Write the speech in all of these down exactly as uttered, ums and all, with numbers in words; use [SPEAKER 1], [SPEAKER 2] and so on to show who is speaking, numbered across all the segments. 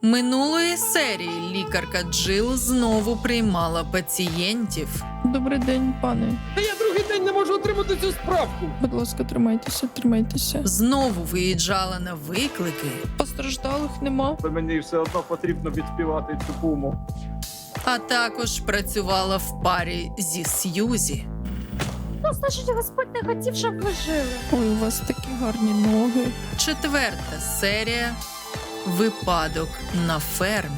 [SPEAKER 1] Минулої серії лікарка Джил знову приймала пацієнтів.
[SPEAKER 2] Добрий день, пане.
[SPEAKER 3] Та я другий день не можу отримати цю справку.
[SPEAKER 2] Будь ласка, тримайтеся, тримайтеся.
[SPEAKER 1] Знову виїжджала на виклики,
[SPEAKER 2] Постраждалих нема.
[SPEAKER 3] Та мені все одно потрібно відспівати цю пуму.
[SPEAKER 1] а також працювала в парі зі Сьюзі.
[SPEAKER 4] Ну, значить, Господь не хотів, щоб ви жили.
[SPEAKER 2] Ой, у вас такі гарні ноги.
[SPEAKER 1] Четверта серія «Випадок на фермі».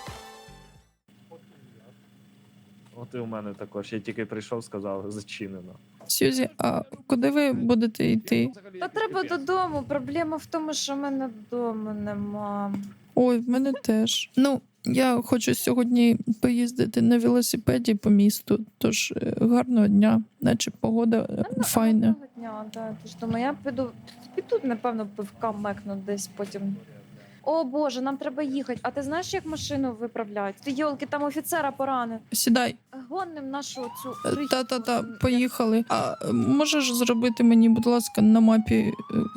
[SPEAKER 5] От і у мене також. Я тільки прийшов, сказав, зачинено.
[SPEAKER 2] Сюзі, а куди ви будете йти?
[SPEAKER 4] Та треба додому. Проблема в тому, що в мене додому нема.
[SPEAKER 2] Ой, в мене теж. Ну, я хочу сьогодні поїздити на велосипеді по місту, тож е, гарного дня, наче погода е,
[SPEAKER 4] Та,
[SPEAKER 2] файна.
[SPEAKER 4] одного дня, да. Тож думаю, я піду, піду, напевно, пивка мекну десь потім. О Боже, нам треба їхати. А ти знаєш, як машину виправляють? Ти йолки, там офіцера поранив.
[SPEAKER 2] Сідай.
[SPEAKER 4] Гоним нашу цю
[SPEAKER 2] Е,
[SPEAKER 4] крихітку.
[SPEAKER 2] Та-та-та, поїхали. А е, можеш зробити мені, будь ласка, на мапі, е,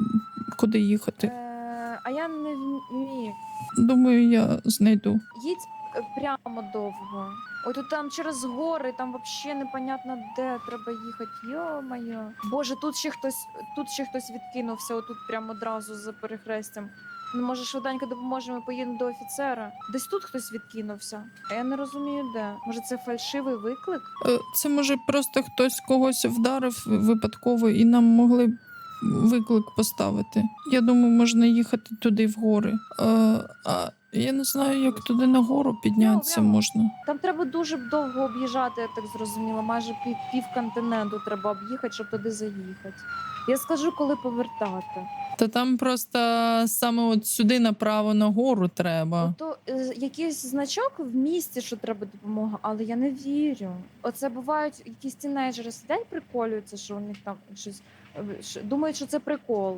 [SPEAKER 2] куди їхати?
[SPEAKER 4] Е, а я не вмію.
[SPEAKER 2] Думаю, я знайду.
[SPEAKER 4] Їдь е, прямо довго. Ой, тут там через гори, там взагалі непонятно де треба їхати. Йо-моє. Боже, тут ще хтось, тут ще хтось відкинувся, отут прямо одразу за перехрестям. Ну, може, швиденько допоможемо, поїдемо до офіцера. Десь тут хтось відкинувся. А я не розумію, де. Може, це фальшивий виклик?
[SPEAKER 2] Е, Це може просто хтось когось вдарив випадково і нам могли б виклик поставити. Я думаю, можна їхати туди в гори. Е, А я не знаю, як туди на гору піднятися
[SPEAKER 4] Прямо, прямо.
[SPEAKER 2] можна.
[SPEAKER 4] Там треба дуже довго об'їжджати, я так зрозуміла. Майже пів, пів континенту треба об'їхати, щоб туди заїхати. Я скажу, коли повертати.
[SPEAKER 2] Та там просто саме от сюди направо на гору треба.
[SPEAKER 4] То е, якийсь значок в місті, що треба допомога, але я не вірю. Оце бувають якісь тінейджери сидять, приколюються, що у них там щось е, що- думають, що це прикол.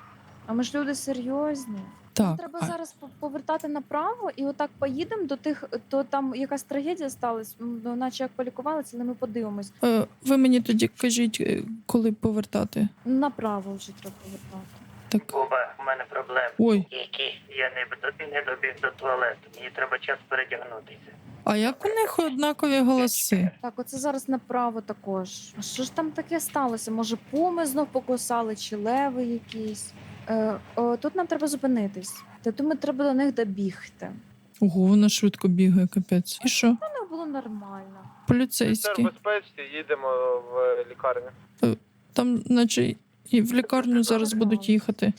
[SPEAKER 4] А ми ж люди серйозні.
[SPEAKER 2] Так.
[SPEAKER 4] Треба
[SPEAKER 2] а-
[SPEAKER 4] зараз по- повертати направо і отак поїдемо до тих, то там якась трагедія сталася, м, ну, наче як полікувалися, але ми подивимось.
[SPEAKER 2] Е, Ви мені тоді кажіть, е, коли повертати.
[SPEAKER 4] Направо вже треба повертати.
[SPEAKER 2] Так.
[SPEAKER 6] Буба, у мене проблеми.
[SPEAKER 2] Ой,
[SPEAKER 6] Які? Я не, до- не добіг до туалету. Мені треба час передягнутися.
[SPEAKER 2] а як у них однакові голоси?
[SPEAKER 4] Так, оце зараз направо також. А що ж там таке сталося? Може, пуми знов покусали, чи леви якісь? Е, о, тут нам треба зупинитись. Та думаю, треба до них добігти.
[SPEAKER 2] Ого, вона швидко бігає, капець. І що?
[SPEAKER 4] Воно було нормально.
[SPEAKER 2] Поліцейські.
[SPEAKER 7] безпечці, їдемо в лікарню.
[SPEAKER 2] Там, наче, і в лікарню зараз будуть їхати.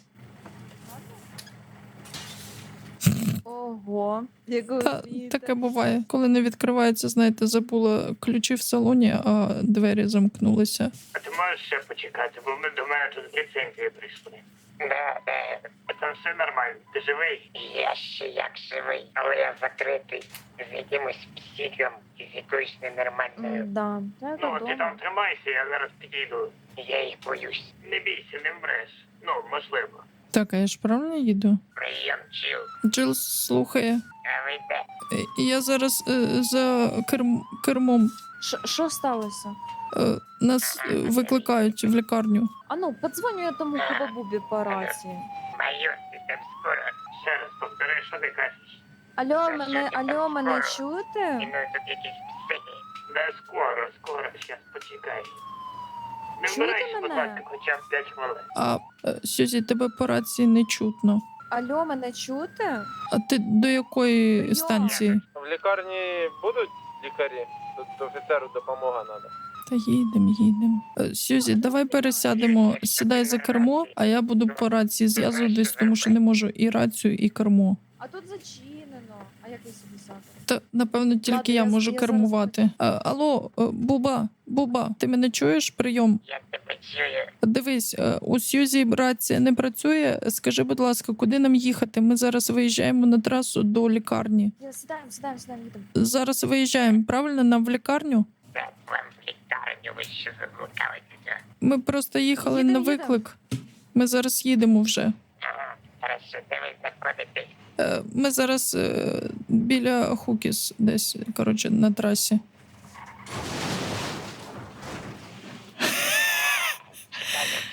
[SPEAKER 4] Ого, яку
[SPEAKER 2] Та, таке буває. Коли не відкривається, знаєте, забула ключі в салоні, а двері замкнулися.
[SPEAKER 6] А ти можеш ще почекати, бо ми до мене тут з ліцензії прийшли. Да, да. А там все нормально. Ти живий? Я ще як живий, але я закритий з якимось психом і з якоюсь ненормальною.
[SPEAKER 4] Да, так,
[SPEAKER 6] Ну, ти
[SPEAKER 4] вдома.
[SPEAKER 6] там тримайся, я зараз підійду. Я їх боюсь. Не бійся, не вмреш. Ну, можливо.
[SPEAKER 2] Так, а я ж правильно їду?
[SPEAKER 6] Прийом, чіл.
[SPEAKER 2] Джил слухає.
[SPEAKER 6] А ви де?
[SPEAKER 2] Е, Я зараз е, за керм, кермом.
[SPEAKER 4] Що- Що сталося?
[SPEAKER 2] Е, нас е, викликають в лікарню.
[SPEAKER 4] А ну, подзвоню я тому хіба-бубі по рації.
[SPEAKER 6] Майор, ти там скоро. Ще раз повтори, що ти кажеш.
[SPEAKER 4] Алло, мене, алло, мене
[SPEAKER 6] І
[SPEAKER 4] чуєте?
[SPEAKER 6] ну тут якісь психи. Да скоро, скоро, щас почекай. Не
[SPEAKER 4] Чуєте
[SPEAKER 6] вмирайся, будь
[SPEAKER 4] мене?
[SPEAKER 6] ласка, хоча б п'ять хвилин.
[SPEAKER 2] А е, Сюзі, тебе по рації не чутно.
[SPEAKER 4] Алло, мене чуєте?
[SPEAKER 2] А ти до якої
[SPEAKER 4] Прийом.
[SPEAKER 2] станції?
[SPEAKER 7] В лікарні будуть лікарі? Тут офіцеру допомога треба.
[SPEAKER 2] Та їдемо, їдемо. Е, Сюзі, давай пересядемо. Сідай за кермо, а я буду по рації зв'язуватись, тому що не можу і рацію, і кермо.
[SPEAKER 4] А тут зачинено. А як ви собі сяти?
[SPEAKER 2] Та напевно тільки
[SPEAKER 4] Ладно,
[SPEAKER 2] я
[SPEAKER 4] я-
[SPEAKER 2] можу
[SPEAKER 4] я
[SPEAKER 2] кермувати. А, алло, е, Буба, Буба, ти мене чуєш? Прийом.
[SPEAKER 6] Я тебе чую.
[SPEAKER 2] Дивись, е, у Сьюзі рація не працює. Скажи, будь ласка, куди нам їхати? Ми зараз виїжджаємо на трасу до лікарні.
[SPEAKER 4] Я сідаємо, сідаємо, сідаємо, їдемо.
[SPEAKER 2] Зараз виїжджаємо, правильно? Нам в лікарню?
[SPEAKER 6] Так, вам в лікарню, ви що заблукалися?
[SPEAKER 2] Ми просто їхали
[SPEAKER 4] Їдемо,
[SPEAKER 2] на
[SPEAKER 4] їдемо.
[SPEAKER 2] виклик. Ми зараз їдемо вже.
[SPEAKER 6] Ага, хорошо, де ви знаходитесь?
[SPEAKER 2] Е, Ми зараз е, біля Хукіс, десь, коротше, на трасі.
[SPEAKER 6] Це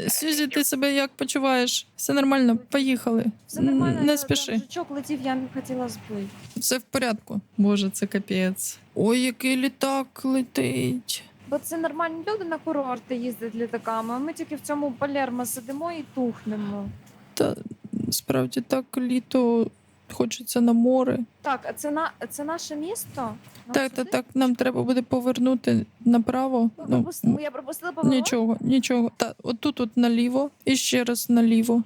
[SPEAKER 2] Сюзі, ти себе як почуваєш? Все нормально, поїхали.
[SPEAKER 4] Все нормально,
[SPEAKER 2] Не
[SPEAKER 4] я-
[SPEAKER 2] спіши.
[SPEAKER 4] там жучок летів, я не хотіла збити.
[SPEAKER 2] Все в порядку. Боже, це капець. Ой, який літак летить.
[SPEAKER 4] Бо це нормальні люди на курорти їздять літаками, а ми тільки в цьому Палермо сидимо і тухнемо.
[SPEAKER 2] Та справді так літо хочеться на море.
[SPEAKER 4] Так, а це на це наше місто? Нам
[SPEAKER 2] Так, так,
[SPEAKER 4] сюди?
[SPEAKER 2] так, нам треба буде повернути направо.
[SPEAKER 4] Ми
[SPEAKER 2] Ну,
[SPEAKER 4] пропустили- я пропустила поворот?
[SPEAKER 2] нічого, нічого. Та отут от наліво і ще раз наліво.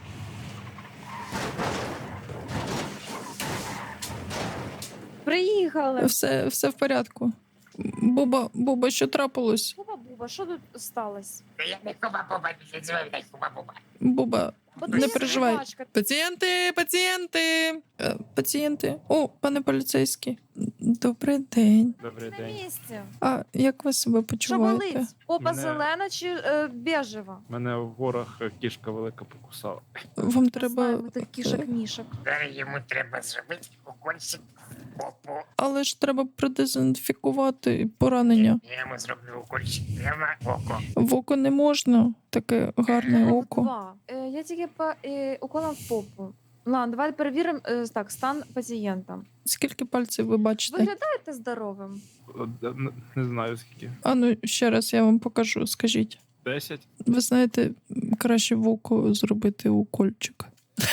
[SPEAKER 4] Приїхали.
[SPEAKER 2] Все, все в порядку. Буба, Буба, що трапилось?
[SPEAKER 4] Буба, Буба, що тут сталося?
[SPEAKER 6] Та я не хуба-буба, не називай мене хуба-буба.
[SPEAKER 2] Буба,
[SPEAKER 4] Бо
[SPEAKER 2] Не
[SPEAKER 4] ти
[SPEAKER 2] переживай.
[SPEAKER 4] собачка.
[SPEAKER 2] пацієнти, пацієнти, Е, пацієнти. О, пане поліцейський. Добрий день.
[SPEAKER 5] Добрий
[SPEAKER 4] На
[SPEAKER 5] день.
[SPEAKER 4] місці.
[SPEAKER 2] А як ви себе
[SPEAKER 4] Що
[SPEAKER 2] почуваєте?
[SPEAKER 4] болить? Попа
[SPEAKER 5] Мене-
[SPEAKER 4] зелена чи е, бежева?
[SPEAKER 5] Мене в горах кішка велика покусала.
[SPEAKER 2] Вам треба.
[SPEAKER 4] Знаємо тих кішок-мішок.
[SPEAKER 6] Зараз йому треба зробити укольчик в попу.
[SPEAKER 2] Але ж треба продезінфікувати поранення.
[SPEAKER 6] Я йому зроблю укольчик прямо в око.
[SPEAKER 2] В око не можна, таке гарне око.
[SPEAKER 4] Два. Е, я тільки по е, уколом в попу. Ладно, давай перевіримо е, так, стан пацієнта.
[SPEAKER 2] Скільки пальців ви бачите?
[SPEAKER 4] Виглядаєте здоровим?
[SPEAKER 5] Не, не знаю скільки.
[SPEAKER 2] А ну ще раз я вам покажу, скажіть.
[SPEAKER 5] Десять?
[SPEAKER 2] Ви знаєте, краще в око зробити укольчик.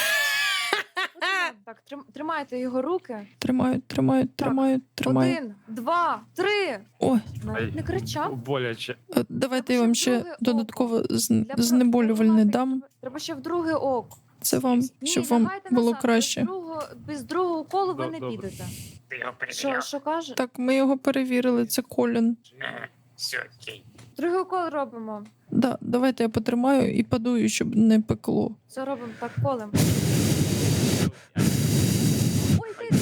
[SPEAKER 4] Так, трим, тримайте його руки.
[SPEAKER 2] Тримають, тримають, тримають, тримають.
[SPEAKER 4] Один, два, три.
[SPEAKER 2] Ой,
[SPEAKER 4] Навіть
[SPEAKER 5] Ай.
[SPEAKER 4] не кричав.
[SPEAKER 5] Боляче.
[SPEAKER 2] е, давайте я
[SPEAKER 4] Треба
[SPEAKER 2] вам
[SPEAKER 4] ще
[SPEAKER 2] ще
[SPEAKER 4] друге
[SPEAKER 2] додатково з-
[SPEAKER 4] Для
[SPEAKER 2] знеболювальне
[SPEAKER 4] профілактики
[SPEAKER 2] дам.
[SPEAKER 4] треба- Треба ще в друге око.
[SPEAKER 2] Це вам,
[SPEAKER 4] Ні,
[SPEAKER 2] щоб вам
[SPEAKER 4] лягайте
[SPEAKER 2] було
[SPEAKER 4] назад.
[SPEAKER 2] краще.
[SPEAKER 4] Без другого, без другого уколу ви
[SPEAKER 5] Доб-
[SPEAKER 4] не
[SPEAKER 5] добре.
[SPEAKER 4] підете.
[SPEAKER 6] Ти його
[SPEAKER 4] Що,
[SPEAKER 6] перевіряв?
[SPEAKER 4] що каже?
[SPEAKER 2] Так, ми його перевірили, це Колін.
[SPEAKER 6] Ага, все, окей.
[SPEAKER 4] Другий укол робимо.
[SPEAKER 2] Да, давайте я потримаю і подую, щоб не пекло.
[SPEAKER 4] Все робимо так, колем. Ой, ти,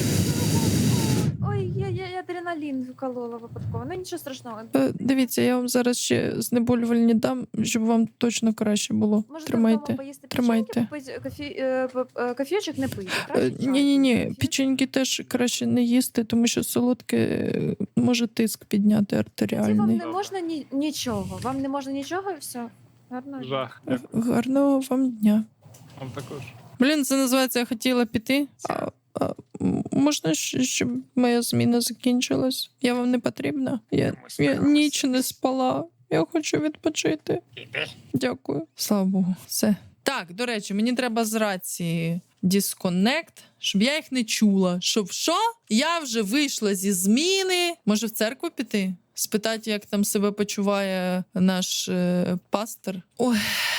[SPEAKER 4] ой, я, я, я адреналін вколола випадково. Ну нічого страшного.
[SPEAKER 2] Е, Дивіться, я вам зараз ще знеболювальні дам, щоб вам точно краще було.
[SPEAKER 4] Можете
[SPEAKER 2] Тримайте.
[SPEAKER 4] вдома поїсти
[SPEAKER 2] тримайте.
[SPEAKER 4] печеньки, попити кофі, е, п- е, кофійчик не пийте, краще чай.
[SPEAKER 2] Ні, ні, ні,
[SPEAKER 4] Кофі?
[SPEAKER 2] печеньки теж краще не їсти, тому що солодке е, може тиск підняти
[SPEAKER 4] Ці вам
[SPEAKER 2] артеріальний.
[SPEAKER 4] не можна ні, нічого. Вам не можна нічого і все. Гарно.
[SPEAKER 5] Жах.
[SPEAKER 2] Е, Гарного вам дня.
[SPEAKER 5] Вам також.
[SPEAKER 2] Блін, це називається я хотіла піти. А, а м- можна, щ- щоб моя зміна закінчилась? Я вам не потрібна? Я, я ніч не спала. Я хочу відпочити.
[SPEAKER 6] Іди.
[SPEAKER 2] Дякую. Слава Богу, все. Так, до речі, мені треба з рації дисконект, щоб я їх не чула. Щоб що? Я вже вийшла зі зміни. Може, в церкву піти? Спитати, як там себе почуває наш е, пастор. Ой.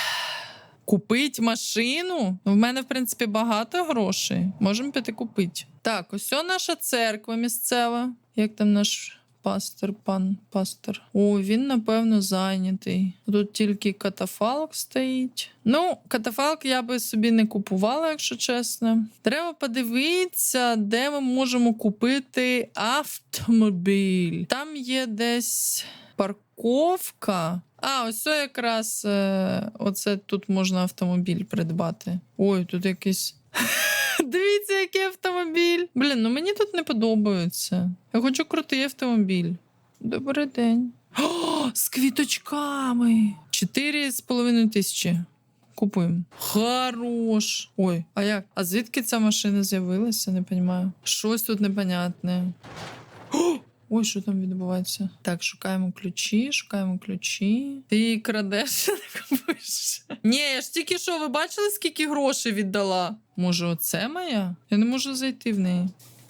[SPEAKER 2] Купить машину? В мене, в принципі, багато грошей. Можемо піти купити. Так, ось о наша церква місцева. Як там наш пастор, пан пастор? О, він, напевно, зайнятий. Тут тільки катафалк стоїть. Ну, катафалк я би собі не купувала, якщо чесно. Треба подивитися, де ми можемо купити автомобіль. Там є десь парковка. А, ось це якраз е, оце тут можна автомобіль придбати. Ой, тут якийсь. Дивіться, який автомобіль. Блін, ну мені тут не подобається. Я хочу крутий автомобіль. Добрий день. О, з квіточками. Чотири з половиною тисячі. Купуємо. Хорош. Ой, а як? А звідки ця машина з'явилася? Не розумію. Щось тут непонятне. О! Ой, що там відбувається? Так, шукаємо ключі, шукаємо ключі. Ти її крадеш, не купуєш. Ні, я ж тільки що, ви бачили, скільки грошей віддала? Може, оце моя? Я не можу зайти в неї.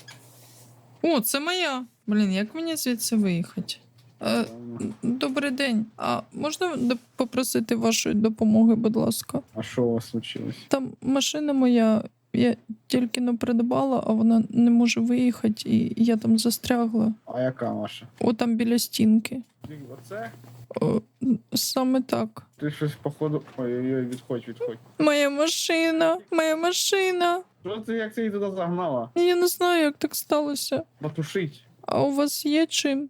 [SPEAKER 2] О, це моя. Блін, як мені звідси виїхати? Е, добрий день. А можна до- попросити вашої допомоги, будь ласка?
[SPEAKER 3] А що у вас случилось?
[SPEAKER 2] Там машина моя, я тільки не придбала, а вона не може виїхати, і я там застрягла.
[SPEAKER 3] А яка ваша?
[SPEAKER 2] О, там біля стінки.
[SPEAKER 3] Оце?
[SPEAKER 2] О, саме так.
[SPEAKER 3] Ти щось походу. Ой-ой-ой, відходь, відходь.
[SPEAKER 2] Моя машина, моя машина.
[SPEAKER 3] Що ти як ти її туди загнала?
[SPEAKER 2] Я не знаю, як так сталося.
[SPEAKER 3] Потушить.
[SPEAKER 2] А у вас є чим?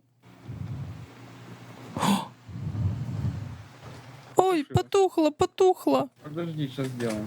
[SPEAKER 2] О! Ой, потухла, потухла.
[SPEAKER 3] Подожди, сейчас сделаем.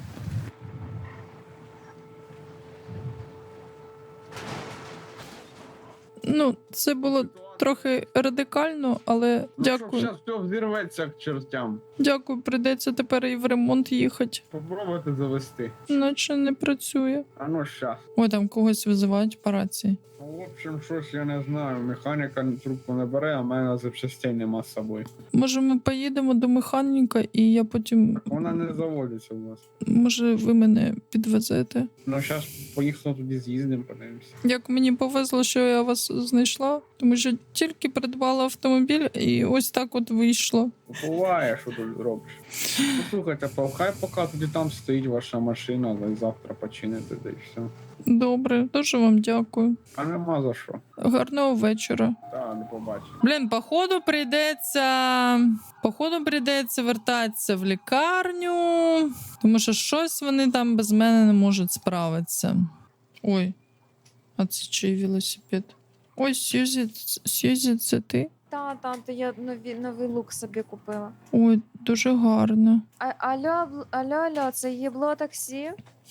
[SPEAKER 2] Ну, це було
[SPEAKER 3] Ситуація
[SPEAKER 2] трохи радикально, але
[SPEAKER 3] Ну,
[SPEAKER 2] дякую.
[SPEAKER 3] Зараз все взірветься к чертям.
[SPEAKER 2] Дякую, прийдеться тепер і в ремонт їхати.
[SPEAKER 3] Попробуйте завести.
[SPEAKER 2] Наче не працює.
[SPEAKER 3] А ну щас.
[SPEAKER 2] Ой, там когось визивають по рації.
[SPEAKER 3] Ну, в общем, щось я не знаю. Механіка трубку не бере, а в мене запчастей нема з собою.
[SPEAKER 2] Може, ми поїдемо до механіка, і я потім.
[SPEAKER 3] Вона не заводиться у вас.
[SPEAKER 2] Може, ви мене підвезете?
[SPEAKER 3] Ну, зараз поїхали туди з'їздимо, подивимося.
[SPEAKER 2] Як мені повезло, що я вас знайшла, тому що тільки придбала автомобіль, і ось так от вийшло.
[SPEAKER 3] Буває, що тут робиш. Ну, слухайте, па, хай поки тоді там стоїть ваша машина, а завтра почините, да і все.
[SPEAKER 2] Добре, дуже вам дякую.
[SPEAKER 3] А нема за що.
[SPEAKER 2] Гарного вечора.
[SPEAKER 3] Так, не побачимо.
[SPEAKER 1] Блін, походу прийдеться. Походу прийдеться вертатися в лікарню, тому що щось вони там без мене не можуть справитися.
[SPEAKER 2] Ой, а це чий велосипед? Ой, Сьюзі, Сьюзі, це ти?
[SPEAKER 4] Та, та, то я нові, новий лук собі купила.
[SPEAKER 2] Ой, дуже гарно.
[SPEAKER 4] А, алло, бл- алло, алло, це єбло таксі?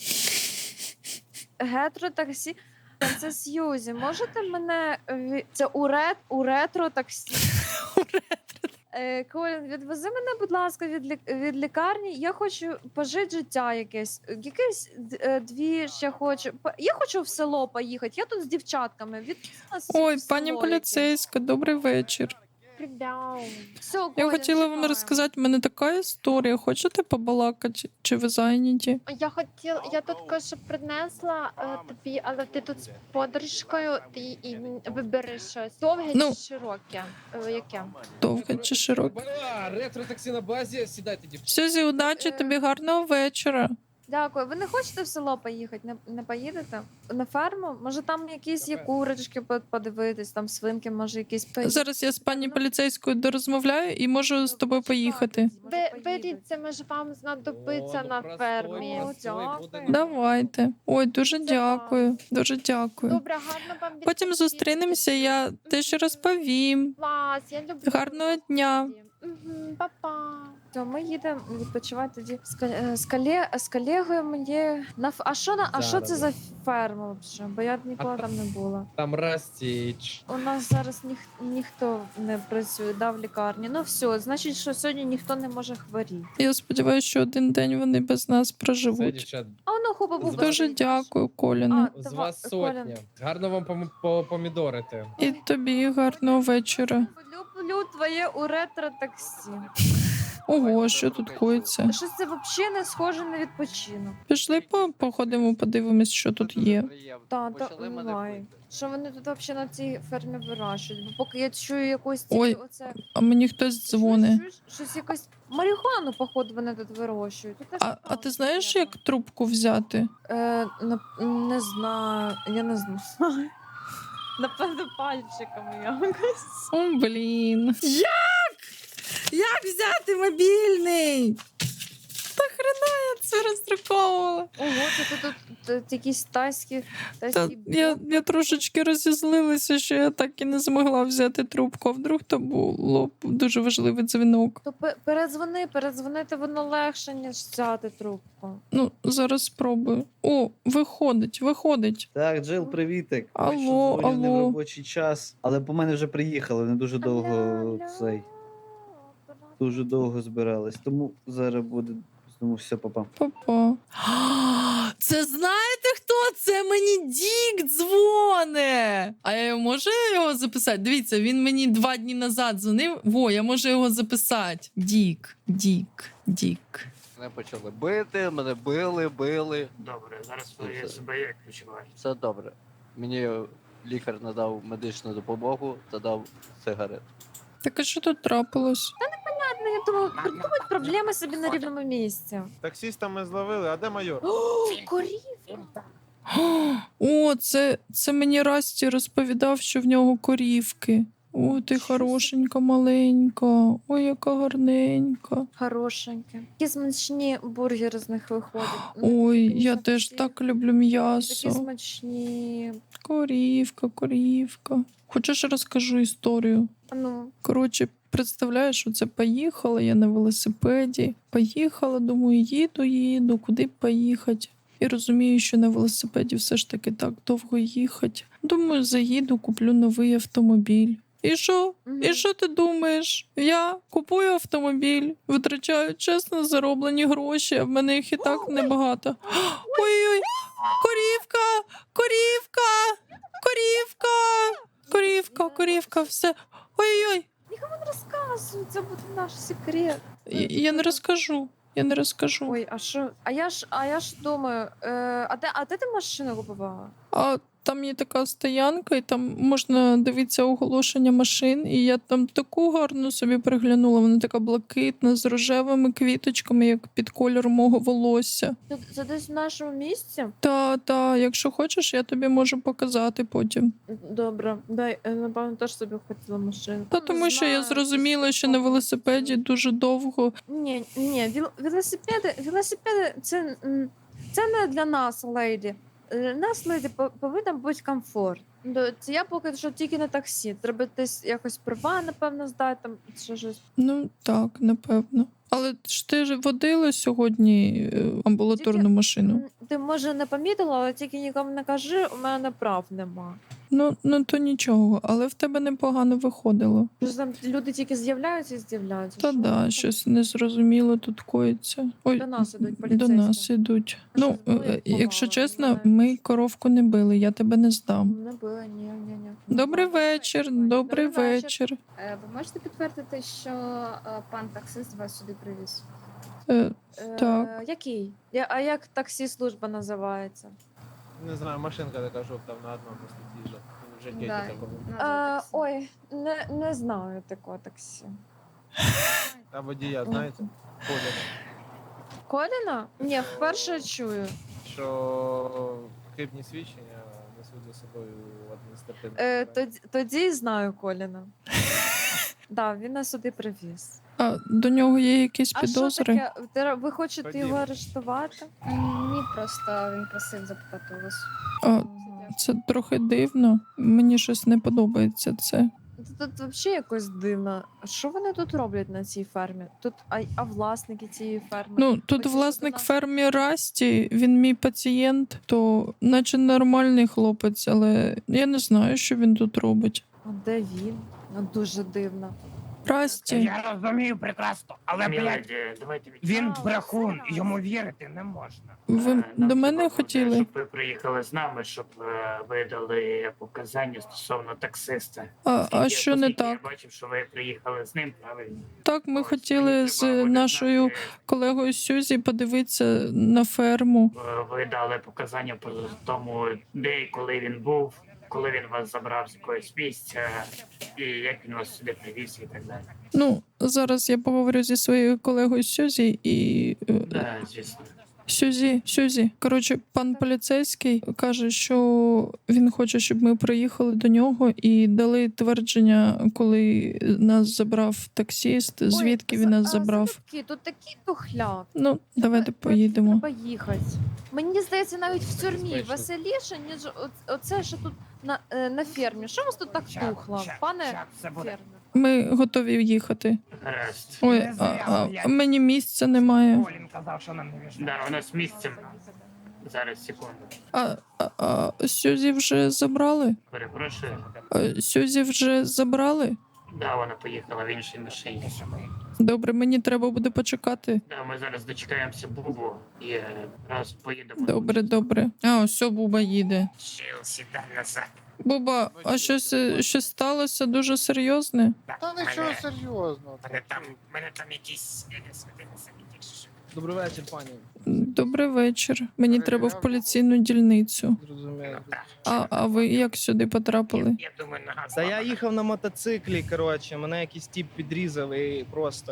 [SPEAKER 4] Гетро таксі? Це Сьюзі. Можете мене ві- це у, рет... у ретро таксі? Е, Колін, відвези мене, будь ласка, від, лік... від лікарні. Я хочу пожити життя якесь. Якесь д- е, дві ще хочу. По- Я хочу в село поїхати. Я тут з дівчатками. Від нас
[SPEAKER 2] Ой,
[SPEAKER 4] в село
[SPEAKER 2] пані
[SPEAKER 4] якесь.
[SPEAKER 2] поліцейська, добрий вечір.
[SPEAKER 4] Все,
[SPEAKER 2] Я
[SPEAKER 4] Колін,
[SPEAKER 2] хотіла вам
[SPEAKER 4] чекаю.
[SPEAKER 2] розказати, в мене така історія. Хочете побалакати? Чи ви зайняті?
[SPEAKER 8] Я хотіла, я тут кое-що принесла е, тобі, але ти тут з подружкою, ти і вибери щось. Довге
[SPEAKER 2] Ну.
[SPEAKER 8] чи широке? Е, Яке?
[SPEAKER 2] Довге чи широке?
[SPEAKER 9] Бля, ретро-таксі на базі, сідайте, дівчата.
[SPEAKER 2] Сюзі, удачі
[SPEAKER 4] Е.
[SPEAKER 2] тобі, гарного вечора.
[SPEAKER 4] Дякую. Ви не хочете в село поїхати? Не, не поїдете? На ферму? Може там якісь є курочки по- подивитись, там свинки, може якісь.
[SPEAKER 2] Зараз я з пані поліцейською дорозмовляю і можу з тобою поїхати.
[SPEAKER 8] Ви беріть, це може вам знадобиться
[SPEAKER 9] О,
[SPEAKER 8] на
[SPEAKER 9] ну,
[SPEAKER 8] фермі.
[SPEAKER 9] простой, простой буде.
[SPEAKER 4] Дякую.
[SPEAKER 2] Давайте. Ой, дуже дякую. Дуже дякую.
[SPEAKER 8] Добре, гарно вам
[SPEAKER 2] Потім
[SPEAKER 8] відпочити.
[SPEAKER 2] зустрінемося, я теж розповім.
[SPEAKER 8] Клас, я люблю.
[SPEAKER 2] Гарного дня.
[SPEAKER 8] Мгм, па-па.
[SPEAKER 4] То ми їдемо відпочивати тоді з, кол- е, з, коле, з колегою мені на ф- а що на а що це за ферма взагалі? Бо я ніколи
[SPEAKER 9] А
[SPEAKER 4] там не була.
[SPEAKER 9] Там Растіч.
[SPEAKER 4] У нас зараз ніх, ніхто не працює, да, в лікарні. Ну все, значить, що сьогодні ніхто не може хворіти.
[SPEAKER 2] Я сподіваюся, що один день вони без нас
[SPEAKER 9] Це,
[SPEAKER 2] проживуть.
[SPEAKER 9] дівчат,
[SPEAKER 4] А воно хуба буба.
[SPEAKER 2] Дуже дякую, Коліне.
[SPEAKER 4] А,
[SPEAKER 9] з
[SPEAKER 4] Дава-
[SPEAKER 9] вас
[SPEAKER 4] Коля.
[SPEAKER 9] сотня. Гарно вам пом- по- помідорити.
[SPEAKER 2] І тобі гарного вечора.
[SPEAKER 4] Люблю твоє у ретро таксі.
[SPEAKER 2] Ого, що тут коїться?
[SPEAKER 4] Щось це взагалі не схоже на відпочинок.
[SPEAKER 2] Пішли по- походимо, подивимось, що тут є.
[SPEAKER 4] Та, та, давай. Що вони тут взагалі на цій фермі вирощують? Бо поки я чую якусь ці-
[SPEAKER 2] Ой,
[SPEAKER 4] оце.
[SPEAKER 2] А мені хтось дзвонить.
[SPEAKER 4] Щось, щось, щось якось марихуану, походу, вони тут вирощують. Тут теж
[SPEAKER 2] А, а
[SPEAKER 4] непогано,
[SPEAKER 2] ти знаєш,
[SPEAKER 4] напевно.
[SPEAKER 2] як трубку взяти?
[SPEAKER 4] Е, не, не знаю, я не знаю. Напевно, пальчиками якось.
[SPEAKER 2] О, блін.
[SPEAKER 1] Як? Як взяти мобільний?
[SPEAKER 2] Та хрена я це роздруковувала.
[SPEAKER 4] Ого, це тут, тут, тут якісь тайські,
[SPEAKER 2] Та
[SPEAKER 4] тайські
[SPEAKER 2] я, я трошечки розізлилася, що я так і не змогла взяти трубку. А вдруг то було б дуже важливий дзвінок.
[SPEAKER 4] То пе- передзвони, передзвонити воно легше, ніж взяти трубку.
[SPEAKER 2] Ну, зараз спробую. О, виходить, виходить.
[SPEAKER 10] Так, Джил, привітик.
[SPEAKER 2] Алло,
[SPEAKER 10] Бачу, дзвоню не в
[SPEAKER 2] алло.
[SPEAKER 10] робочий час, але по мене вже приїхали, не дуже довго
[SPEAKER 4] Алло,
[SPEAKER 10] цей, дуже довго збирались. Тому зараз буде тому все, папа.
[SPEAKER 2] Папа.
[SPEAKER 1] Це знаєте хто? Це мені Дік дзвоне. А я можу його записати? Дивіться, він мені два дні назад дзвонив. Во, я можу його записати. Дік, Дік, Дік.
[SPEAKER 11] Мене почали бити, мене били, били.
[SPEAKER 6] Добре, зараз
[SPEAKER 11] ви
[SPEAKER 6] я себе як відчуваю.
[SPEAKER 11] Все добре. Мені лікар надав медичну допомогу та дав сигарет.
[SPEAKER 2] Так а що тут трапилось?
[SPEAKER 4] Ладно, я думаю, придумать проблеми собі на рівному місці.
[SPEAKER 7] Таксіста ми зловили, а де майор?
[SPEAKER 4] О, корів!
[SPEAKER 2] О, це, це мені Расті розповідав, що в нього корівки. О, ти хорошенька, маленька. Ой, яка гарненька.
[SPEAKER 4] Хорошеньке. Які смачні бургери з них виходять. Ну,
[SPEAKER 2] Ой,
[SPEAKER 4] такі
[SPEAKER 2] я
[SPEAKER 4] смачні,
[SPEAKER 2] теж так люблю
[SPEAKER 4] Такі
[SPEAKER 2] м'ясо.
[SPEAKER 4] смачні.
[SPEAKER 2] Корівка, корівка. Хочеш розкажу історію?
[SPEAKER 4] А ну,
[SPEAKER 2] Коротше, представляєш, оце поїхала я на велосипеді. Поїхала, думаю, їду, їду, куди б поїхати. І розумію, що на велосипеді все ж таки так довго їхати. Думаю, заїду, куплю новий автомобіль. І що?
[SPEAKER 4] Мгм.
[SPEAKER 2] І що ти думаєш? Я купую автомобіль, витрачаю чесно зароблені гроші, а в мене їх і так небагато. Ой-ой, корівка, корівка, корівка, корівка, корівка, все. Ой-ой,
[SPEAKER 4] Нікому не розказуй, це буде наш секрет.
[SPEAKER 2] я, я не розкажу, я не розкажу.
[SPEAKER 4] Ой, а що? А я ж, а я ж думаю, е, а де, а де ти машину купувала?
[SPEAKER 2] А там є така стоянка, і там можна дивитися оголошення машин, і я там таку гарну собі приглянула. Вона така блакитна, з рожевими квіточками, як під кольор мого волосся.
[SPEAKER 4] Це, це десь в нашому місці?
[SPEAKER 2] Та, та, якщо хочеш, я тобі можу показати потім.
[SPEAKER 4] Добре, дай, е, напевно, теж собі хотіла машину.
[SPEAKER 2] Та тому що я зрозуміла, що на велосипеді дуже довго.
[SPEAKER 4] Ні, ні, віл- велосипеди, велосипеди це, м, це не для нас, леді. Е, Нас, леді, по- повинен бути комфорт. До- Це я поки що тільки на таксі. Треба десь якось права, напевно, здати, там ще щось.
[SPEAKER 2] Ну так, напевно. Але ж ти ж водила сьогодні е, амбулаторну
[SPEAKER 4] Тільки-
[SPEAKER 2] машину.
[SPEAKER 4] М, Ти, може, не помітила, але тільки нікому не кажи, у мене прав нема.
[SPEAKER 2] Ну, ну то нічого, але в тебе непогано виходило.
[SPEAKER 4] Просто там люди тільки з'являються і з'являються.
[SPEAKER 2] Та
[SPEAKER 4] Що
[SPEAKER 2] да,
[SPEAKER 4] там?
[SPEAKER 2] щось незрозуміло тут коїться. Ой,
[SPEAKER 4] До нас ідуть
[SPEAKER 2] до
[SPEAKER 4] поліцейські.
[SPEAKER 2] нас ідуть.
[SPEAKER 4] А що,
[SPEAKER 2] Ну,
[SPEAKER 4] зброю
[SPEAKER 2] е, якщо
[SPEAKER 4] ховали,
[SPEAKER 2] чесно,
[SPEAKER 4] знаєш?
[SPEAKER 2] ми коровку не били, я тебе не здам.
[SPEAKER 4] Не було, ні, ні, ні.
[SPEAKER 2] Добрий вечір, добрий
[SPEAKER 4] Добрий вечір.
[SPEAKER 2] вечір.
[SPEAKER 8] Е, Ви можете підтвердити, що е, пан таксист вас сюди привіз?
[SPEAKER 2] Е,
[SPEAKER 4] Е,
[SPEAKER 2] Так.
[SPEAKER 4] Який? Я, а як таксі служба називається?
[SPEAKER 7] Не знаю, машинка така жовта на одному просто їжджа. В житті
[SPEAKER 8] Да.
[SPEAKER 7] такого.
[SPEAKER 8] Назва
[SPEAKER 4] Е,
[SPEAKER 8] таксі.
[SPEAKER 4] ой, не, не знаю такого таксі.
[SPEAKER 7] Та водія, знаєте, Коля,
[SPEAKER 4] Коліна? Ні, вперше чую.
[SPEAKER 7] що хибні свідчення несуть за собою адміністративне.
[SPEAKER 4] Е,
[SPEAKER 7] покарання.
[SPEAKER 4] тоді, тоді знаю Коліна. Да, він нас сюди привіз.
[SPEAKER 2] А до нього є якісь
[SPEAKER 4] А що
[SPEAKER 2] підозри?
[SPEAKER 4] таке? Ти- Ви хочете
[SPEAKER 7] Ходімо.
[SPEAKER 4] його арештувати?
[SPEAKER 8] М, Ні, просто він просив запитати у вас.
[SPEAKER 2] А, це трохи дивно. Мені щось не подобається це.
[SPEAKER 4] Тут, тут взагалі якось дивно. Що вони тут роблять на цій фермі? Тут а, а власники цієї ферми?
[SPEAKER 2] Ну, тут
[SPEAKER 4] Хочеш
[SPEAKER 2] власник
[SPEAKER 4] до нас?
[SPEAKER 2] фермі Расті, він мій пацієнт, то наче нормальний хлопець, але я не знаю, що він тут робить.
[SPEAKER 4] А де він? Ну дуже дивно.
[SPEAKER 2] Расті,
[SPEAKER 6] Я розумію прекрасно, але, блядь,
[SPEAKER 12] Міледі, давайте від...
[SPEAKER 6] він
[SPEAKER 4] А,
[SPEAKER 6] брехун,
[SPEAKER 4] все.
[SPEAKER 6] йому вірити не можна.
[SPEAKER 2] ви
[SPEAKER 12] Е, нам
[SPEAKER 2] до мене
[SPEAKER 12] треба буде,
[SPEAKER 2] хотіли?
[SPEAKER 12] Щоб ви приїхали з нами, щоб е, ви дали показання стосовно таксиста.
[SPEAKER 2] А, а
[SPEAKER 12] Оскільки-
[SPEAKER 2] що не
[SPEAKER 12] оскільки
[SPEAKER 2] так?
[SPEAKER 12] Я бачив, що ви приїхали з ним, правильно?
[SPEAKER 2] Так, ми
[SPEAKER 12] Ось,
[SPEAKER 2] хотіли
[SPEAKER 12] мені
[SPEAKER 2] з
[SPEAKER 12] треба буде
[SPEAKER 2] нашою
[SPEAKER 12] знати,
[SPEAKER 2] колегою Сюзі подивитися на ферму.
[SPEAKER 12] е, Ви дали показання по тому, де і коли він був, коли він вас забрав з якогось місця, і як він вас сюди привіз і так далі.
[SPEAKER 2] Ну, зараз я поговорю зі своєю колегою Сюзі і. е,
[SPEAKER 12] Так, звісно.
[SPEAKER 2] Сюзі, Сюзі. Коротше, пан поліцейський каже, що він хоче, щоб ми приїхали до нього і дали твердження, коли нас забрав таксіст, звідки
[SPEAKER 4] Ой,
[SPEAKER 2] він
[SPEAKER 4] за-
[SPEAKER 2] нас
[SPEAKER 4] а,
[SPEAKER 2] забрав.
[SPEAKER 4] залюбки, тут такий тухляк.
[SPEAKER 2] Ну, давайте поїдемо.
[SPEAKER 4] Треба їхати. Мені здається, навіть в тюрмі
[SPEAKER 9] Безпечно.
[SPEAKER 4] веселіше, ніж о- оце, що тут на, е, на фермі. Що у вас тут так
[SPEAKER 6] Щас,
[SPEAKER 4] тухло,
[SPEAKER 6] щас,
[SPEAKER 4] пане
[SPEAKER 6] щас, це буде.
[SPEAKER 4] фермер?
[SPEAKER 2] Ми готові їхати.
[SPEAKER 12] Гаразд.
[SPEAKER 2] Ой,
[SPEAKER 6] Не
[SPEAKER 2] а,
[SPEAKER 6] зря,
[SPEAKER 2] а мені місця немає.
[SPEAKER 6] Колін казав, що нам не віжна.
[SPEAKER 12] Да, у нас місце. Зараз, секунду.
[SPEAKER 2] А, а, а Сюзі вже забрали?
[SPEAKER 12] Перепрошую.
[SPEAKER 2] А, Сюзі вже забрали?
[SPEAKER 12] Да, вона поїхала в іншій машині.
[SPEAKER 2] Добре, мені треба буде почекати.
[SPEAKER 12] Да, ми зараз дочекаємося Бубу і е, раз поїдемо.
[SPEAKER 2] Добре, добре. А, ось Буба їде.
[SPEAKER 6] Чил, сідай назад.
[SPEAKER 2] Буба, а щось, е, щось сталося дуже серйозне?
[SPEAKER 6] Та нічого серйозного. Мене там, мене там якісь е, святини самі тільки що.
[SPEAKER 9] Добрий вечір, пані.
[SPEAKER 2] Добрий вечір. Мені треба в поліційну дільницю.
[SPEAKER 9] Зрозуміло.
[SPEAKER 2] А, а ви як сюди потрапили?
[SPEAKER 6] Я думаю, нога
[SPEAKER 9] Та я
[SPEAKER 6] зламана.
[SPEAKER 9] їхав на мотоциклі, коротше, мене якийсь тіп підрізав і просто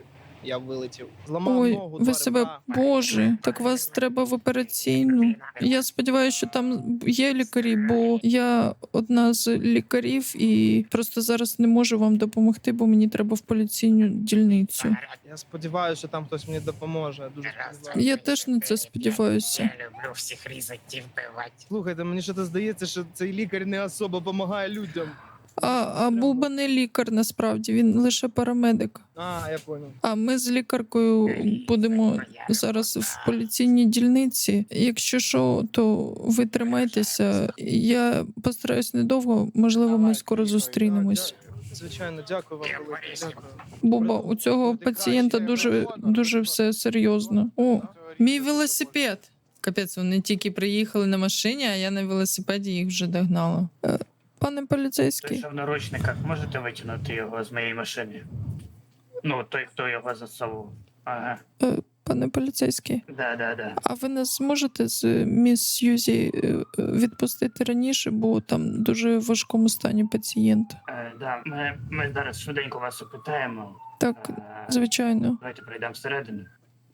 [SPEAKER 9] я вилетів. Зламав
[SPEAKER 2] Ой,
[SPEAKER 9] ногу,
[SPEAKER 2] ви
[SPEAKER 9] два
[SPEAKER 2] себе,
[SPEAKER 9] ребра.
[SPEAKER 2] боже, так вас треба в операційну. Я сподіваюся, що там є лікарі, бо я одна з лікарів і просто зараз не можу вам допомогти, бо мені треба в поліційну дільницю.
[SPEAKER 9] Я сподіваюся, що там хтось мені допоможе. Дуже сподіваюся.
[SPEAKER 2] Я теж на це сподіваюся.
[SPEAKER 6] Я люблю всіх різати і вбивати.
[SPEAKER 9] Слухайте, мені що то здається, що цей лікар не особо допомагає людям.
[SPEAKER 2] А, а Буба не лікар насправді, він лише парамедик.
[SPEAKER 9] А, я понял.
[SPEAKER 2] А ми з лікаркою будемо зараз в поліційній дільниці. Якщо що, то ви тримайтеся. Я постараюсь недовго, можливо, ми скоро зустрінемось.
[SPEAKER 9] Звичайно, дякую вам,
[SPEAKER 12] Я
[SPEAKER 9] велике,
[SPEAKER 12] Борисів.
[SPEAKER 9] дякую.
[SPEAKER 2] Боба, у цього пацієнта дуже, дуже все серйозно. О,
[SPEAKER 1] Мій велосипед. Капець, вони тільки приїхали на машині, а я на велосипеді їх вже догнала.
[SPEAKER 2] пане
[SPEAKER 12] Той,
[SPEAKER 2] поліцейський,
[SPEAKER 12] що в наручниках, можете витягнути його з моєї машини? Ну, той, хто його засовував. Ага.
[SPEAKER 2] е, пане поліцейський,
[SPEAKER 12] Да, да, да.
[SPEAKER 2] а ви нас зможете з міс Сьюзі е, е, відпустити раніше, бо там дуже в важкому стані пацієнт.
[SPEAKER 12] Е, да. Ми, ми зараз швиденько вас опитаємо.
[SPEAKER 2] Так,
[SPEAKER 12] Е,
[SPEAKER 2] звичайно.
[SPEAKER 12] Давайте пройдемо всередину.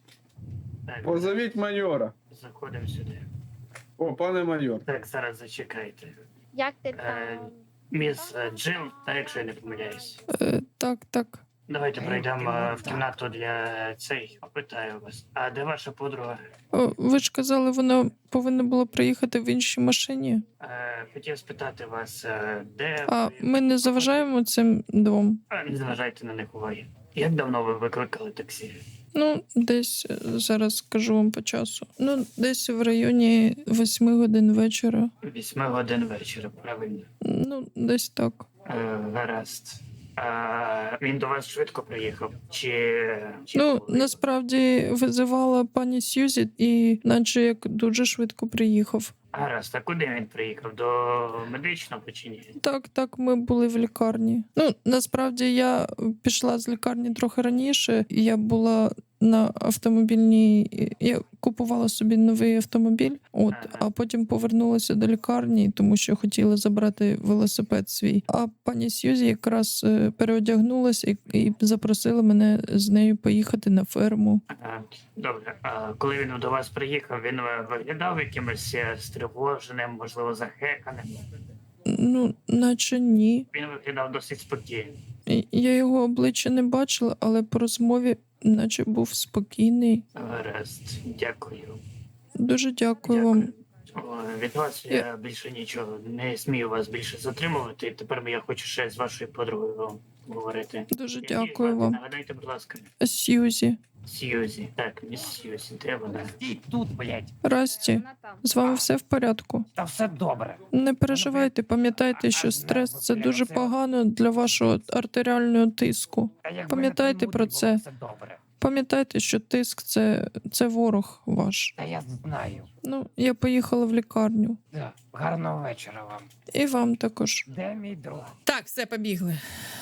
[SPEAKER 12] Так,
[SPEAKER 3] Позовіть майора.
[SPEAKER 12] заходимо сюди.
[SPEAKER 3] О, пане майор.
[SPEAKER 12] Так, зараз зачекайте.
[SPEAKER 8] Як ти
[SPEAKER 12] Е,
[SPEAKER 8] там?
[SPEAKER 12] Міс е, Джил, та якщо я не помиляюсь.
[SPEAKER 2] Е, так, так.
[SPEAKER 12] Давайте пройдемо е, в кімнату для цей. Опитаю вас. А де ваша подруга?
[SPEAKER 2] О, ви ж казали, вона повинна була приїхати в іншій машині.
[SPEAKER 12] Е, хотів спитати вас, е, де
[SPEAKER 2] А
[SPEAKER 12] ви-
[SPEAKER 2] ми не заважаємо цим двом.
[SPEAKER 12] А, не зважайте на них уваги. Як давно ви викликали таксі?
[SPEAKER 2] Ну, десь е, зараз скажу вам по часу. Ну, десь в районі восьми годин вечора.
[SPEAKER 12] Вісьми годин вечора, правильно.
[SPEAKER 2] Ну, десь так.
[SPEAKER 12] Е, гаразд. А, він до вас швидко приїхав? Чи. чи
[SPEAKER 2] Ну,
[SPEAKER 12] коли?
[SPEAKER 2] насправді визивала пані Сьюзі, і наче як дуже швидко приїхав.
[SPEAKER 12] Гаразд, а куди він приїхав? До медичного чи ні?
[SPEAKER 2] Так, так, ми були в лікарні. Ну, насправді я пішла з лікарні трохи раніше. Я була на автомобільній. Я купувала собі новий автомобіль, от,
[SPEAKER 12] Ага.
[SPEAKER 2] а потім повернулася до лікарні, тому що хотіла забрати велосипед свій. А пані Сьюзі якраз е, переодягнулася і, і запросила мене з нею поїхати на ферму.
[SPEAKER 12] Ага, добре. А коли він до вас приїхав, він е, виглядав якимось е, стривоженим, можливо, захеканим.
[SPEAKER 2] Ну, наче ні.
[SPEAKER 12] Він виглядав досить спокійно.
[SPEAKER 2] І- Я його обличчя не бачила, але по розмові, наче був спокійний.
[SPEAKER 12] Гаразд, дякую.
[SPEAKER 2] Дуже дякую вам.
[SPEAKER 12] О, від вас я...
[SPEAKER 2] Я-
[SPEAKER 12] більше нічого не смію вас більше затримувати. Тепер я хочу ще з вашою подругою говорити.
[SPEAKER 2] Дуже
[SPEAKER 12] Як її
[SPEAKER 2] дякую
[SPEAKER 12] звати?
[SPEAKER 2] вам.
[SPEAKER 12] Нагадайте, будь ласка.
[SPEAKER 2] Сьюзі.
[SPEAKER 12] Сьюзі. Так, міс Сьюзі, де вона?
[SPEAKER 6] Стій тут, блядь.
[SPEAKER 2] Расті,
[SPEAKER 8] Вона там.
[SPEAKER 2] з вами все в порядку.
[SPEAKER 6] Та все добре.
[SPEAKER 2] Не переживайте, пам'ятайте, що стрес це дуже погано для вашого артеріального тиску.
[SPEAKER 6] Та якби
[SPEAKER 2] Пам'ятайте
[SPEAKER 6] не
[SPEAKER 2] про
[SPEAKER 6] було,
[SPEAKER 2] це.
[SPEAKER 6] Все добре.
[SPEAKER 2] Пам'ятайте, що тиск це, це ворог ваш.
[SPEAKER 6] Та я знаю.
[SPEAKER 2] Ну, я поїхала в лікарню.
[SPEAKER 6] Да. Гарного вечора вам.
[SPEAKER 2] І вам також.
[SPEAKER 6] Де мій друг?
[SPEAKER 1] Так, все, побігли.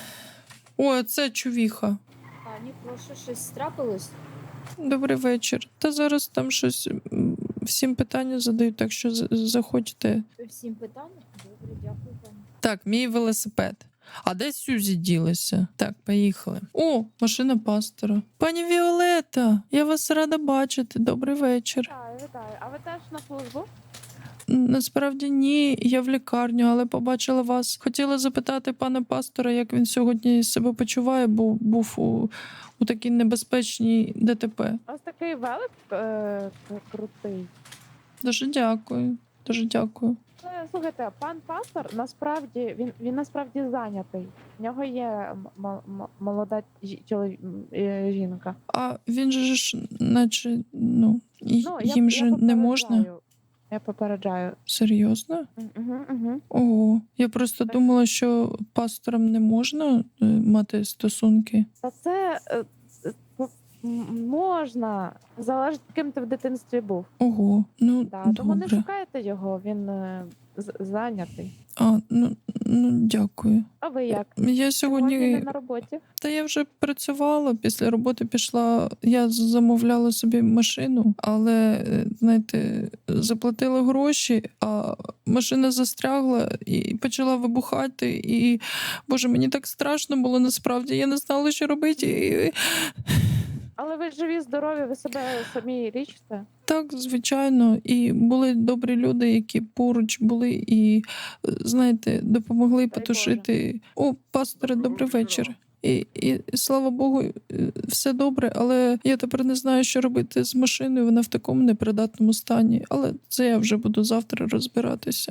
[SPEAKER 2] О, це чувіха.
[SPEAKER 4] Пані, прошу, щось трапилось?
[SPEAKER 2] Добрий вечір. Та зараз там щось м, всім питання задають, так що з- заходьте.
[SPEAKER 4] Всім питання? Добре, дякую, пані.
[SPEAKER 1] Так, мій велосипед. А де Сюзі ділася? Так, поїхали. О, машина пастора. Пані Віолета, я вас рада бачити. Добрий вечір.
[SPEAKER 8] Вітаю, вітаю. А ви теж на службу?
[SPEAKER 2] Насправді ні, я в лікарню, але побачила вас. Хотіла запитати пана пастора, як він сьогодні себе почуває, бо був у, у такій небезпечній ДТП.
[SPEAKER 8] Ось такий велик е, крутий.
[SPEAKER 2] Дуже дякую. Дуже дякую.
[SPEAKER 8] Е, Слухайте, пан пастор насправді він, він насправді зайнятий. В нього є м- м- м- молода жі- чолові- м, е, жінка.
[SPEAKER 2] А він же ж, наче, ну, й-
[SPEAKER 8] Ну, я,
[SPEAKER 2] їм
[SPEAKER 8] я
[SPEAKER 2] же не можна.
[SPEAKER 8] попереджаю. Я попереджаю.
[SPEAKER 2] Серйозно?
[SPEAKER 8] Угу, угу.
[SPEAKER 2] Ого. Я просто
[SPEAKER 8] Так.
[SPEAKER 2] думала, що пасторам не можна е, мати стосунки.
[SPEAKER 8] Та це е, е, м- м- можна. Залежить, ким ти в дитинстві був.
[SPEAKER 2] Ого, ну
[SPEAKER 8] Да, тому не
[SPEAKER 2] добре.
[SPEAKER 8] шукайте його, він е, з- зайнятий.
[SPEAKER 2] А, ну, ну дякую.
[SPEAKER 8] А ви як?
[SPEAKER 2] Я
[SPEAKER 8] Сьогодні не
[SPEAKER 2] сьогодні.
[SPEAKER 8] на роботі.
[SPEAKER 2] Та я вже працювала, після роботи пішла. Я замовляла собі машину, але е, знаєте, заплатила гроші, а машина застрягла і почала вибухати. І боже, мені так страшно було насправді. Я не знала, що робити. І...
[SPEAKER 8] Але ви живі, здорові, ви себе самі лічите.
[SPEAKER 2] Так, звичайно, і були добрі люди, які поруч були, і е, знаєте, допомогли
[SPEAKER 8] Дай
[SPEAKER 2] потушити. О, пасторе, добрий вечір. І, і слава Богу, е, все добре, але я тепер не знаю, що робити з машиною. Вона в такому непридатному стані. Але це я вже буду завтра розбиратися.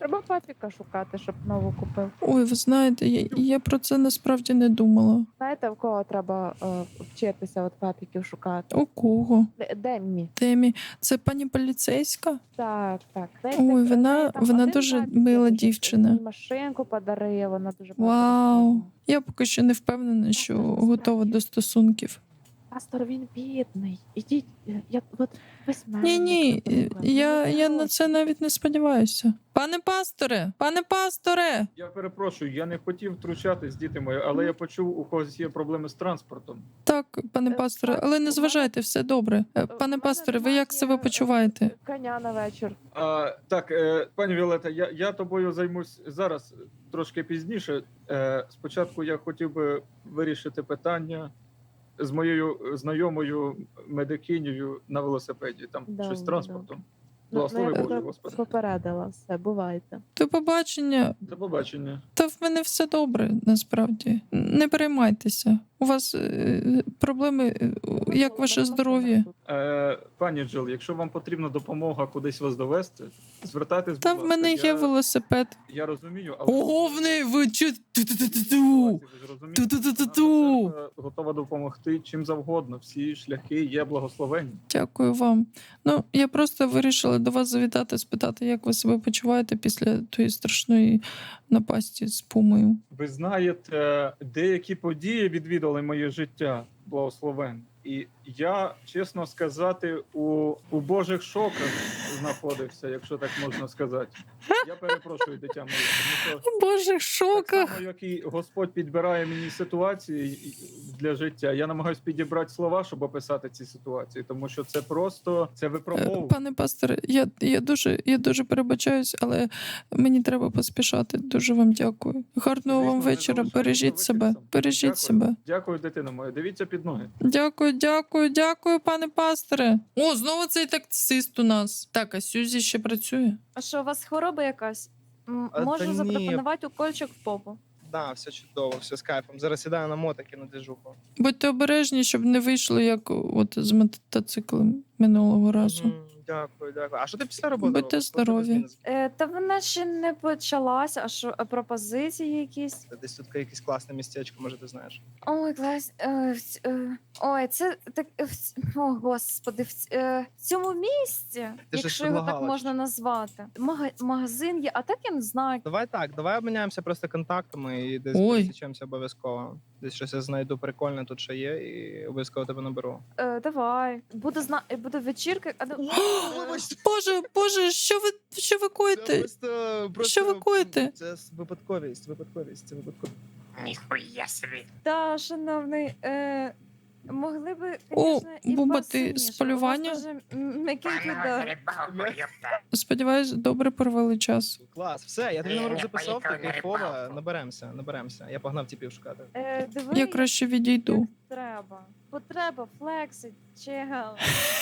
[SPEAKER 8] Треба папіка шукати, щоб нову купив.
[SPEAKER 2] Ой, ви знаєте, я, я про це насправді не думала.
[SPEAKER 8] Знаєте, в кого треба е, вчитися от папіків шукати?
[SPEAKER 2] У кого?
[SPEAKER 8] Д- Деммі.
[SPEAKER 2] Темі, це пані поліцейська?
[SPEAKER 8] Так, так. Десь
[SPEAKER 2] Ой,
[SPEAKER 8] так,
[SPEAKER 2] вона-
[SPEAKER 8] в неї там
[SPEAKER 2] вона
[SPEAKER 8] один
[SPEAKER 2] дуже
[SPEAKER 8] папік,
[SPEAKER 2] мила
[SPEAKER 8] який
[SPEAKER 2] дівчина.
[SPEAKER 8] мені машинку подарує, вона дуже багато
[SPEAKER 2] Вау.
[SPEAKER 8] розказує.
[SPEAKER 2] Я поки що не впевнена, що готова до стосунків.
[SPEAKER 8] Пастор, він бідний. Ідіть, е, я от весь мене.
[SPEAKER 2] Ні, ні, я, я на це навіть не сподіваюся. Пане пасторе, пане пасторе!
[SPEAKER 3] Я перепрошую, я не хотів втручатись, діти мої, але я почув, у когось є проблеми з транспортом.
[SPEAKER 2] Так, пане
[SPEAKER 8] Е,
[SPEAKER 2] пасторе,
[SPEAKER 8] так,
[SPEAKER 2] але
[SPEAKER 8] у
[SPEAKER 2] не
[SPEAKER 8] мене-
[SPEAKER 2] зважайте, все добре. Е,
[SPEAKER 8] в
[SPEAKER 2] Пане
[SPEAKER 8] мене
[SPEAKER 2] пасторе, ви
[SPEAKER 8] немає,
[SPEAKER 2] як себе
[SPEAKER 8] е,
[SPEAKER 2] почуваєте?
[SPEAKER 8] Коня на вечір.
[SPEAKER 3] А, так, е, пані Віолета, я, я тобою займусь зараз трошки пізніше. Е, спочатку я хотів би вирішити питання з моєю знайомою медикинею на велосипеді. Там
[SPEAKER 8] Добре,
[SPEAKER 3] щось з транспортом.
[SPEAKER 8] Ну,
[SPEAKER 3] Благослови
[SPEAKER 8] ну, я
[SPEAKER 3] Боже,
[SPEAKER 8] тебе
[SPEAKER 3] Господи.
[SPEAKER 8] попередила, все, бувайте.
[SPEAKER 2] До побачення.
[SPEAKER 3] До побачення.
[SPEAKER 2] Та в мене все добре, насправді. Не переймайтеся. У вас е, проблеми, е, як ваше здоров'я?
[SPEAKER 3] Е, пані Джил, якщо вам потрібна допомога кудись вас довести, звертайтесь,
[SPEAKER 2] Та
[SPEAKER 3] будь
[SPEAKER 2] в
[SPEAKER 3] ласка.
[SPEAKER 2] мене є
[SPEAKER 3] я,
[SPEAKER 2] велосипед.
[SPEAKER 3] я розумію, але...
[SPEAKER 2] Ого, в неї ви чу... Ту-ту-ту-ту-ту!
[SPEAKER 3] Ви ж розумієте,
[SPEAKER 2] Ту-ту-ту-ту-ту!
[SPEAKER 3] наша церква готова допомогти чим завгодно. Всі шляхи є благословенні.
[SPEAKER 2] Дякую вам. Ну, я просто вирішила до вас завітати, спитати, як ви себе почуваєте після тої страшної напасті з пумою.
[SPEAKER 3] Ви знаєте, деякі події відвідали моє життя, благословен. І я, чесно сказати, у, у Божих шоках знаходився, якщо так можна сказати. Я перепрошую, дитя моє, тому що
[SPEAKER 2] У Божих
[SPEAKER 3] так
[SPEAKER 2] шоках!
[SPEAKER 3] само, як і Господь підбирає мені ситуації для життя, я намагаюся підібрати слова, щоб описати ці ситуації, тому що це просто це
[SPEAKER 2] Е,
[SPEAKER 3] випробовування.
[SPEAKER 2] Пане пасторе, я, я дуже я дуже перебачаюсь, але мені треба поспішати. Дуже вам дякую. Гарного
[SPEAKER 3] Звісно,
[SPEAKER 2] вам
[SPEAKER 3] не
[SPEAKER 2] вечора.
[SPEAKER 3] залишайтеся
[SPEAKER 2] Бережіть
[SPEAKER 3] вечір
[SPEAKER 2] себе.
[SPEAKER 3] сам.
[SPEAKER 2] Бережіть
[SPEAKER 3] Дякую.
[SPEAKER 2] себе.
[SPEAKER 3] Дякую, дитина моя. Дивіться під ноги.
[SPEAKER 2] Дякую, дякую, дякую, пане пасторе. О, знову цей таксист у нас. Так, а Сюзі ще працює.
[SPEAKER 4] А що, у вас хвороба якась? М,
[SPEAKER 9] А, та
[SPEAKER 4] Можу
[SPEAKER 9] ні.
[SPEAKER 4] запропонувати укольчик в попу.
[SPEAKER 9] Да, все чудово, все з кайфом. Зараз сідаю на мотики на движуху.
[SPEAKER 2] Будьте обережні, щоб не вийшло, як от з мотоциклем минулого разу.
[SPEAKER 9] Мгм, Дякую, дякую. А що ти після роботи?
[SPEAKER 2] Будьте
[SPEAKER 9] робиш? Просто
[SPEAKER 2] здорові.
[SPEAKER 9] бізнес.
[SPEAKER 4] Е, та вона ще не почалася, а що а пропозиції якісь?
[SPEAKER 9] Десь тут якесь класне містечко, може ти знаєш.
[SPEAKER 4] Ой, клас. Е, в ць- е, ой, це так. е, в ць- О, господи, в ць- е, в цьому місці,
[SPEAKER 9] Ти ж
[SPEAKER 4] якщо його так
[SPEAKER 9] предлагала,
[SPEAKER 4] можна
[SPEAKER 9] чи-
[SPEAKER 4] назвати. Мага- магазин є, а так я не знаю.
[SPEAKER 9] Давай так, давай обміняємося просто контактами і десь
[SPEAKER 2] Ой.
[SPEAKER 9] пересічемося обов'язково. Десь щось я знайду прикольне тут, що є, і обов'язково тебе наберу.
[SPEAKER 4] Е, давай. Буде зна... е, буде вечірка. А, ну,
[SPEAKER 2] Боже, боже, що ви що ви коїте?
[SPEAKER 9] просто,
[SPEAKER 2] Що ви коїте?
[SPEAKER 9] Це випадковість, випадковість, це випадковість.
[SPEAKER 6] Ніхуя собі.
[SPEAKER 4] та, шановний, е, могли би,
[SPEAKER 2] О,
[SPEAKER 4] звісно, і
[SPEAKER 2] Буба, ти
[SPEAKER 4] посильніше.
[SPEAKER 2] з
[SPEAKER 4] У вас
[SPEAKER 2] полювання?
[SPEAKER 4] дуже м- м'якенький
[SPEAKER 6] Пане
[SPEAKER 4] дар.
[SPEAKER 6] рибалко, ёпта.
[SPEAKER 2] Сподіваюсь, добре провели час.
[SPEAKER 9] Клас, все, я тобі
[SPEAKER 6] Ні,
[SPEAKER 9] номер
[SPEAKER 6] я
[SPEAKER 9] записав, ти
[SPEAKER 6] поїхав на
[SPEAKER 9] кайфова,
[SPEAKER 6] рибалку.
[SPEAKER 9] наберемося, наберемося. Я погнав тіпів шукати.
[SPEAKER 4] Е, диви,
[SPEAKER 2] Я
[SPEAKER 4] як
[SPEAKER 2] краще відійду.
[SPEAKER 4] треба. Потреба, флексить, чел.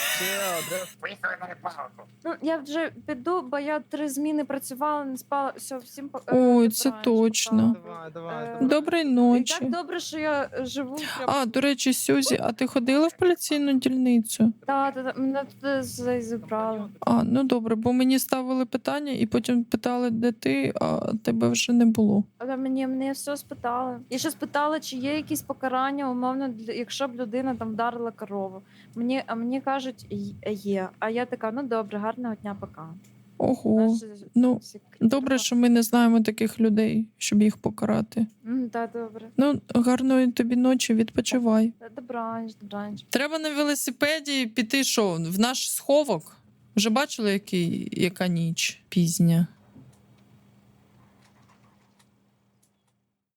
[SPEAKER 6] Поїхали на рибалку.
[SPEAKER 4] Ну, я вже піду, бо я три зміни працювала, не спала. Все, всім по- е,
[SPEAKER 2] Ой,
[SPEAKER 4] добраніч,
[SPEAKER 2] це
[SPEAKER 4] пока.
[SPEAKER 2] точно.
[SPEAKER 9] Давай, давай,
[SPEAKER 4] Е,
[SPEAKER 9] давай.
[SPEAKER 2] Доброї
[SPEAKER 4] І
[SPEAKER 2] ночі.
[SPEAKER 4] так добре, що я е, живу. Прям...
[SPEAKER 2] А, до речі, Сюзі, а ти ходила в поліційну дільницю?
[SPEAKER 4] Та, та, та, мене туди з- зібрали.
[SPEAKER 2] А, ну добре, бо мені ставили питання і потім питали, де ти, а тебе вже не було.
[SPEAKER 4] Але мені, мені все спитали. І ще спитали, чи є якісь покарання, умовно, для- якщо б людина там вдарила корову. Мені, а мені кажуть, «Й- є. А я така, ну добре, гарного дня, пока.
[SPEAKER 2] Ого.
[SPEAKER 4] Знаєш,
[SPEAKER 2] Ну,
[SPEAKER 4] всі-
[SPEAKER 2] добре, що ми не знаємо таких людей, щоб їх покарати.
[SPEAKER 4] М, Та, добре.
[SPEAKER 2] Ну, гарної тобі ночі, відпочивай.
[SPEAKER 4] Та, добраніч, добраніч.
[SPEAKER 1] Треба на велосипеді піти що, в наш сховок? Вже бачили, який, яка ніч пізня?